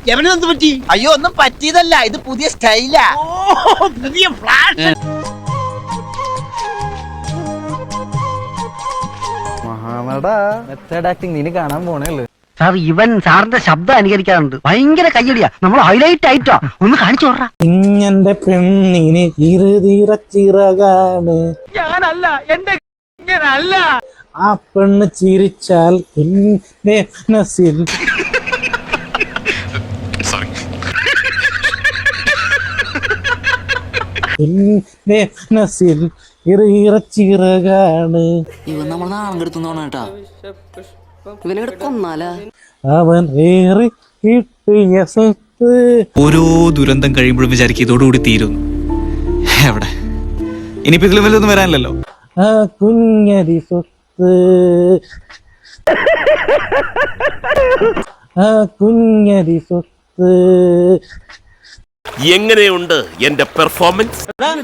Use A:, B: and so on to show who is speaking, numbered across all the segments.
A: എവനെന്ത് പറ്റി?
B: അയ്യോ ഒന്നും പറ്റിയതല്ല, ഇത് പുതിയ സ്റ്റൈലാ.
A: പുതിയ ഫ്ലാഷ്.
C: മെത്തേഡ് ആക്ടിങ് നീ കാണാൻ പോണേള്ളൂ.
D: സാർ ഇവൻ സാറിന്റെ ശബ്ദം അനുകരിക്കാറുണ്ട്. ഭയങ്കര കയ്യടിയാ. നമ്മൾ ഹൈലൈറ്റ് ആയിട്ടോ ഒന്ന് കാണിച്ചു വിടറാ.
C: ഇങ്ങന്റെ പെണ്ണിന് ഇരുതീറച്ചിറകാണ്.
A: ഞാനല്ല, എന്റെ ഇങ്ങനല്ല.
C: ആ പെണ്ണ് ചിരിച്ചാൽ എന്റെ മനസ്സിൽ എന്റെ മനസ്സിൽ ഇറച്ചിറകാണ്.
E: ഇവൻ നമ്മൾ നാളം കെടുത്തുന്നോണ കേട്ടാ. ഇവനെ കൊന്നാലാ
C: അവൻ ഏറി കിട്ടിയ സ്വത്ത്.
F: ഓരോ ദുരന്തം കഴിയുമ്പോഴും വിചാരിക്കും ഇതോടുകൂടി തീരുന്നു. എവിടെ ഇനിയിപ്പോ ഇതിലും വല്ലതൊന്നും വരാനില്ലല്ലോ.
C: ആ കുഞ്ഞരി സ്വത്ത്, ആ കുഞ്ഞരി സ്വത്ത്.
G: എങ്ങനെയുണ്ട് എന്റെ പെർഫോമൻസ്?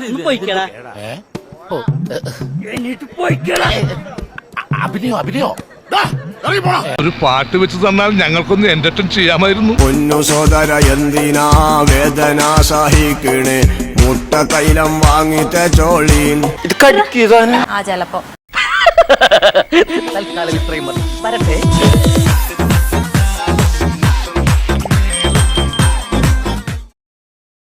G: അഭിനയോ
H: ഒരു പാട്ട് വെച്ച് തന്നാൽ ഞങ്ങൾക്കൊന്ന് എന്റർടൈൻ ചെയ്യാമായിരുന്നു.
G: പൊന്നു സോദര എന്തിനാ വേദന സഹിക്കണേ? മുട്ട തൈലം വാങ്ങിച്ച ചോളീൻ
E: ആ ചെലപ്പോ
D: തൽക്കാലം ഇത്രയും മതി. വരട്ടെ.